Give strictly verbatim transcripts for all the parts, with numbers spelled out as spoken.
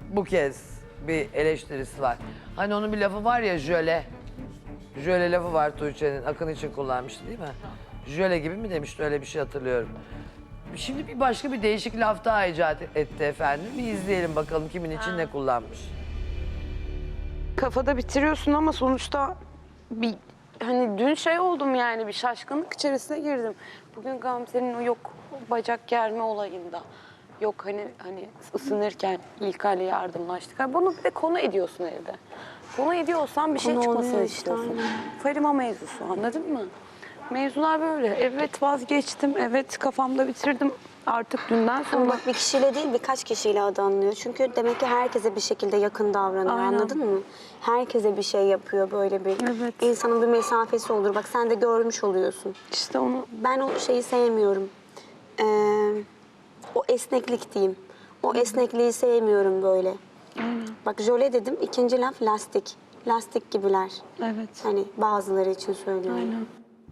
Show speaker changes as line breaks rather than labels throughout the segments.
bu kez bir eleştirisi var. Hani onun bir lafı var ya, jöle. Jöle lafı var Tuğçe'nin, Akın için kullanmıştı değil mi? Jöle gibi mi demişti, öyle bir şey hatırlıyorum. Şimdi bir başka bir değişik laf daha icat etti efendim. Bir izleyelim bakalım kimin için ha. ne kullanmış.
Kafada bitiriyorsun ama sonuçta bir hani dün şey oldum yani bir şaşkınlık içerisine girdim. Bugün Gamze'nin o yok bacak germe olayında. Yok hani hani ısınırken İlkay'la yardımlaştık. Yani bunu bir de konu ediyorsun evde. Konu ediyorsan bir şey
Konu
çıkmasını
oluyor işte,
istiyorsun.
aynen.
Farima mevzusu, anladın mı? Mevzular böyle. Evet vazgeçtim, evet kafamda bitirdim artık dünden sonra.
Ama bak bir kişiyle değil birkaç kişiyle adı anılıyor. Çünkü demek ki herkese bir şekilde yakın davranıyor,
Aynen.
anladın mı? Herkese bir şey yapıyor böyle bir.
Evet.
İnsanın bir mesafesi olur. Bak sen de görmüş oluyorsun.
İşte onu
Ben o şeyi sevmiyorum. Ee, o esneklik diyeyim. O esnekliği sevmiyorum böyle.
aynen.
Bak jöle dedim, ikinci laf lastik. Lastik gibiler.
Evet.
Hani bazıları için söylüyorum.
Aynen.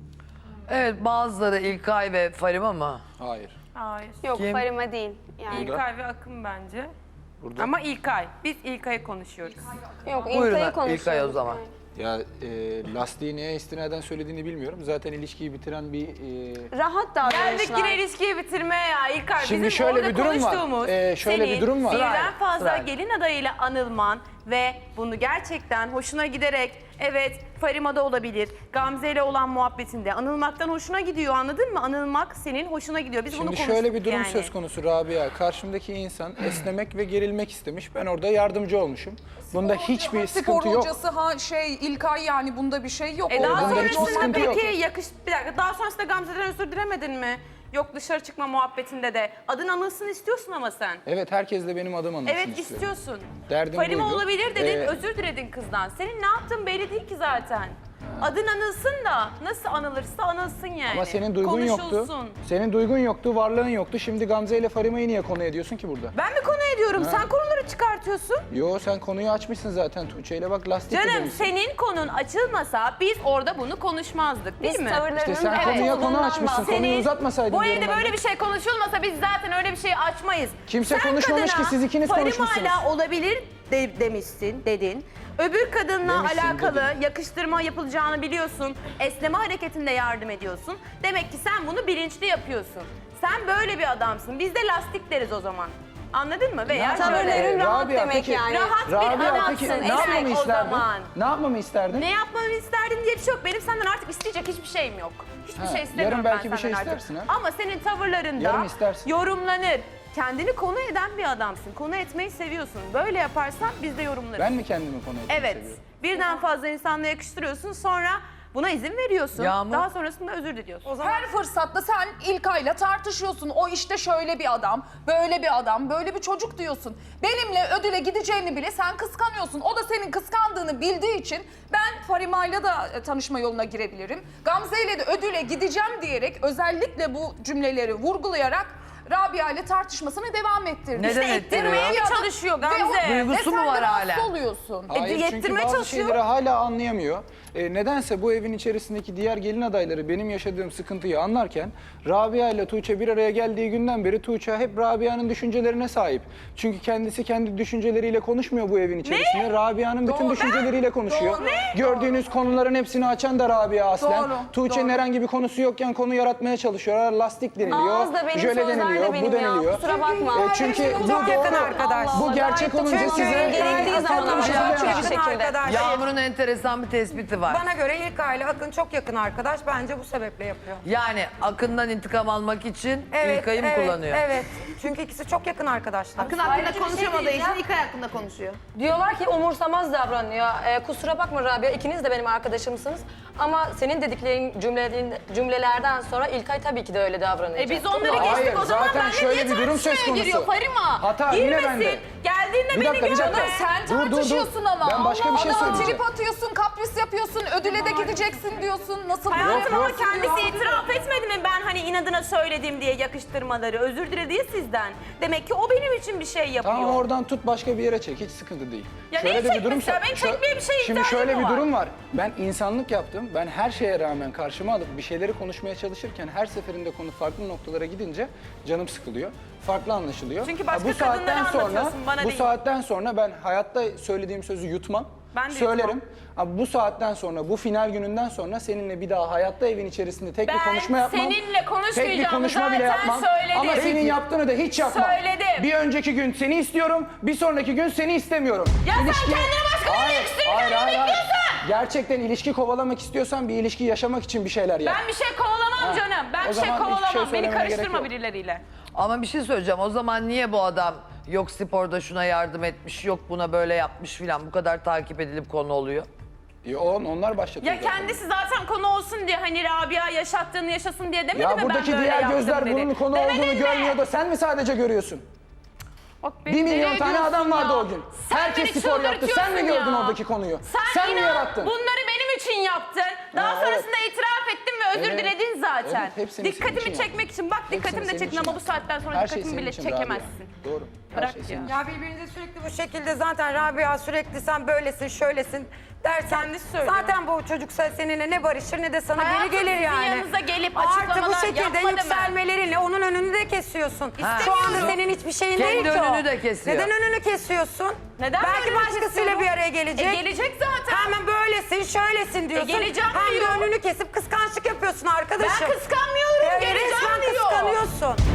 Evet, bazıları İlkay ve Farima mı?
Hayır.
Hayır.
Yok
Kim?
Farima değil. Yani.
İlkay ve Akın bence.
Burada.
Ama İlkay. Biz İlkay'ı konuşuyoruz.
Yok
Buyurun
İlkay'ı konuşuyoruz.
İlkay o zaman.
Ya e, lastiği neye istinaden söylediğini bilmiyorum. Zaten ilişkiyi bitiren bir... E,
Rahat
Geldik
davranışlar.
yine ilişkiyi bitirmeye ya İlkay.
Şimdi
Bizim
şöyle
orada
bir durum var.
konuştuğumuz
Ee, şöyle
senin
bir durum var.
birden
Sırayla,
fazla
sırayla.
gelin adayıyla anılman ve bunu gerçekten hoşuna giderek evet Farima'da olabilir. Gamze ile olan muhabbetinde anılmaktan hoşuna gidiyor, anladın mı? Anılmak senin hoşuna gidiyor. Biz bunu
Şimdi
konuştuk
şöyle bir durum
yani.
söz konusu Rabia. Karşımdaki insan esnemek ve gerilmek istemiş. Ben orada yardımcı olmuşum. Bunda hiçbir sıkıntı
Spor
yok.
hocası ha şey İlkay yani bunda bir şey yok.
E daha
Bunda hiçbir
sonrasında
sıkıntı yok.
peki yakış... Bir dakika, daha sonrasında Gamze'den özür dilemedin mi? Yok dışarı çıkma muhabbetinde de. Adın anılsın istiyorsun ama sen.
Evet, herkes de benim adım anılsın
Evet
istiyorum.
istiyorsun.
Derdim
Farima
buydu.
olabilir dedin,
Ee,
özür diledin kızdan. Senin ne yaptığın belli değil ki zaten. Adın anılsın da nasıl anılırsa anılsın yani.
Ama senin duygun yoktu.
Konuşulsun.
Senin duygun yoktu, varlığın yoktu. Şimdi Gamze ile Farima'yı niye konu ediyorsun ki burada?
Ben mi konu ediyorum? Sen konuları çıkartıyorsun.
Yo, sen konuyu açmışsın zaten Tuğçe ile, bak lastik de
Canım
demişsin.
senin konun açılmasa biz orada bunu konuşmazdık değil
Biz
mi?
tavırlarının
İşte sen
evet
konuya konu
olduğundan
açmışsın.
bahsediyoruz.
Konuyu uzatmasaydın
Bu
diyorum
evde
ben
böyle
de.
bir şey konuşulmasa biz zaten öyle bir şey açmayız.
Kimse
Sen
konuşmamış
kadına
ki, siz ikiniz konuşmuşsunuz.
Farima'yla olabilir de, demişsin, dedin. Öbür kadınla
Demişsin,
alakalı
dedim.
yakıştırma yapılacağını biliyorsun. Esneme hareketinde yardım ediyorsun. Demek ki sen bunu bilinçli yapıyorsun. Sen böyle bir adamsın. Biz de lastik deriz o zaman. Anladın mı? Veya
Tavırların
şöyle.
rahat
Rabia,
demek
peki-
yani.
Rahat bir
Rabia
adamsın.
peki ne
Evet,
yapmamı
o
isterdin?
zaman.
Ne yapmamı isterdin?
Ne yapmamı isterdin diye bir şey yok. Benim senden artık isteyecek hiçbir şeyim yok. Hiçbir
Ha,
şey istemiyorum
yarın
ben
belki bir
senden
şey
artık.
istersin ha?
Ama senin tavırlarında
Yarın istersin.
yorumlanır. Kendini konu eden bir adamsın. Konu etmeyi seviyorsun. Böyle yaparsan biz de yorumlarız.
Ben mi kendimi konu etmeyi
Evet.
seviyorum?
Birden fazla insanla yakıştırıyorsun. Sonra buna izin veriyorsun.
Yağmur.
Daha sonrasında özür diliyorsun.
Her fırsatta sen İlkay'la tartışıyorsun. O işte şöyle bir adam, böyle bir adam, böyle bir çocuk diyorsun. Benimle ödüle gideceğini bile sen kıskanıyorsun. O da senin kıskandığını bildiği için ben Farima'yla da e, tanışma yoluna girebilirim. Gamze'yle de ödüle gideceğim diyerek özellikle bu cümleleri vurgulayarak Rabia ile tartışmasını devam ettirdi.
Neden
İşte
ettiriyor?
ettirmeye mi
Ya da-
çalışıyor
Ve o-
Gamze?
Duygusu
ve
mu
sen
var
de rahatsız
hala?
oluyorsun.
Hayır, çünkü
yettirmeye
bazı
çalışıyor.
şeyleri hala anlayamıyor. E, nedense bu evin içerisindeki diğer gelin adayları benim yaşadığım sıkıntıyı anlarken Rabia ile Tuğçe bir araya geldiği günden beri Tuğçe hep Rabia'nın düşüncelerine sahip. Çünkü kendisi kendi düşünceleriyle konuşmuyor bu evin içerisinde. Rabia'nın bütün düşünceleriyle konuşuyor.
Doğru.
Gördüğünüz konuların hepsini açan da Rabia aslen.
Doğru,
Tuğçe'nin
doğru.
herhangi bir konusu yokken konu yaratmaya çalışıyorlar. Lastik deniliyor,
Ağız da benim,
jöle
sözler de
deniliyor,
benim
bu
ya.
deniliyor.
Kusura bakma.
E, çünkü bu
Çok yakın
doğru.
arkadaş.
Bu gerçek olunca
Çünkü
size
gerektiği zaman
farklı
ama
bir şey
çok
söyleyemem.
bir şekilde.
Yağmur'un enteresan bir tespiti var.
Bana göre İlkay ile Akın çok yakın arkadaş. Bence bu sebeple yapıyor.
Yani Akın'dan intikam almak için İlkay'ı mı
evet,
kullanıyor?
Evet. Çünkü ikisi çok yakın arkadaşlar.
Akın hakkında konuşamadığı için İlkay hakkında konuşuyor. Diyorlar ki umursamaz davranıyor. Ee, kusura bakma Rabia, ikiniz de benim arkadaşımsınız. Ama senin dediklerin cümlelerin, cümlelerden sonra İlkay tabii ki de öyle davranacak.
E biz onları
Hayır,
geçtik o zaman.
zaten
Ben de
şöyle
niye
bir durum söz
tartışmaya
konusu.
giriyor Farima?
Hata yine
Girmesin.
bende.
Geldiğinde
Bir
beni
dakika, bir
görme.
dakika.
Sen
Dur, dur, dur.
tartışıyorsun ama.
Ben başka bir şey
Adama
söyleyeceğim.
trip atıyorsun, kapris yapıyorsun, ödüle de gideceksin diyorsun. Nasıl
Hayatım ama
yok.
kendisi itiraf etmedi mi ben hani inadına söyledim diye yakıştırmaları? Özür diledi ya sizden. Demek ki o benim için bir şey yapıyor.
Tamam, oradan tut başka bir yere çek, hiç sıkıntı değil.
Ya neyi
de
çekmesi ya? Benim çekmeye bir şeye
Şimdi
ihtiyacım
şöyle
mı
bir
var?
durum var. Ben insanlık yaptım. Ben her şeye rağmen karşıma alıp bir şeyleri konuşmaya çalışırken her seferinde konu farklı noktalara gidince canım sıkılıyor. Farklı anlaşılıyor.
Çünkü
Ha,
başka
bu saatten
kadınlara
sonra
anlatıyorsun, bana
bu
değil.
saat saatten sonra ben hayatta söylediğim sözü yutmam.
Ben de
Söylerim.
yutmam.
Ama bu saatten sonra, bu final gününden sonra seninle bir daha hayatta evin içerisinde tek bir
Ben
konuşma yapmam.
seninle konuşmayacağımı
Tek bir konuşma bile
zaten
yapmam.
söyledim.
Ama senin
Peki.
yaptığını da hiç yapmam.
Söyledim.
Bir önceki gün seni istiyorum, bir sonraki gün seni istemiyorum.
Ya sen kendini başka birine yakıştırırken ne bekliyorsun?
Gerçekten ilişki kovalamak istiyorsan bir ilişki yaşamak için bir şeyler yap.
Ben bir şey kovalamam
Ha,
canım. Ben
o
bir şey
zaman hiçbir şey
kovalamam. Beni
söylemene gerek
karıştırma
yok.
birileriyle.
Ama bir şey söyleyeceğim. O zaman niye bu adam yok sporda şuna yardım etmiş, yok buna böyle yapmış filan bu kadar takip edilip konu oluyor?
Ya on, onlar başlatıyor.
Ya
zaten.
kendisi zaten konu olsun diye hani Rabia yaşattığını yaşasın diye demedi
Ya
mi
buradaki
ben böyle
diğer
yaptım
gözler
dedi.
bunun konu
Demedin
olduğunu
mi?
görmüyor da sen mi sadece görüyorsun?
Bak beni
Bir
deli
milyon tane
ediyorsun
adam vardı
ya.
o gün.
Sen
Herkes
beni
spor yaptı. Sen mi
çıldırtıyorsun
gördün
ya.
oradaki konuyu?
Sen,
Sen mi
inan
yarattın?
bunları benim için yaptın. Daha
Ha,
sonrasında itiraf ettin ve özür
Evet.
diledin zaten.
Evet, hepsini senin
Dikkatimi
için
çekmek
yaptım.
için. Bak
Hepsini
dikkatim de
senin
çektin
için
ama bu
yaptım.
saatten sonra
Her şey
dikkatimi
senin
bile
için Rabia.
çekemezsin.
Doğru. Her
Bırak
şey
ya.
senin için.
Ya birbirinize sürekli bu şekilde zaten Rabia sürekli sen böylesin şöylesin dersen
Kendisi söylüyor.
zaten bu çocuk seninle ne barışır ne de sana
Hayatım,
geri gelir
sizin
yani.
yanınıza gelip
Artı bu
açıklamalar
şekilde
yapmadı mı?
yükselmelerinle onun önünü de kesiyorsun. Şu anda
İstemiyorum.
senin hiçbir şeyin
Kendi
değil ki o.
önünü de kesiyor.
Neden önünü kesiyorsun?
Neden
Belki
önünü
başkasıyla
kesiyorum?
bir araya gelecek.
E, gelecek zaten.
Hemen böylesin şöylesin diyorsun.
geleceğim
Hem
diyor.
de önünü kesip kıskançlık yapıyorsun arkadaşım.
Ben kıskanmıyorum,
E,
geleceğim
resmen
diyor.
kıskanıyorsun.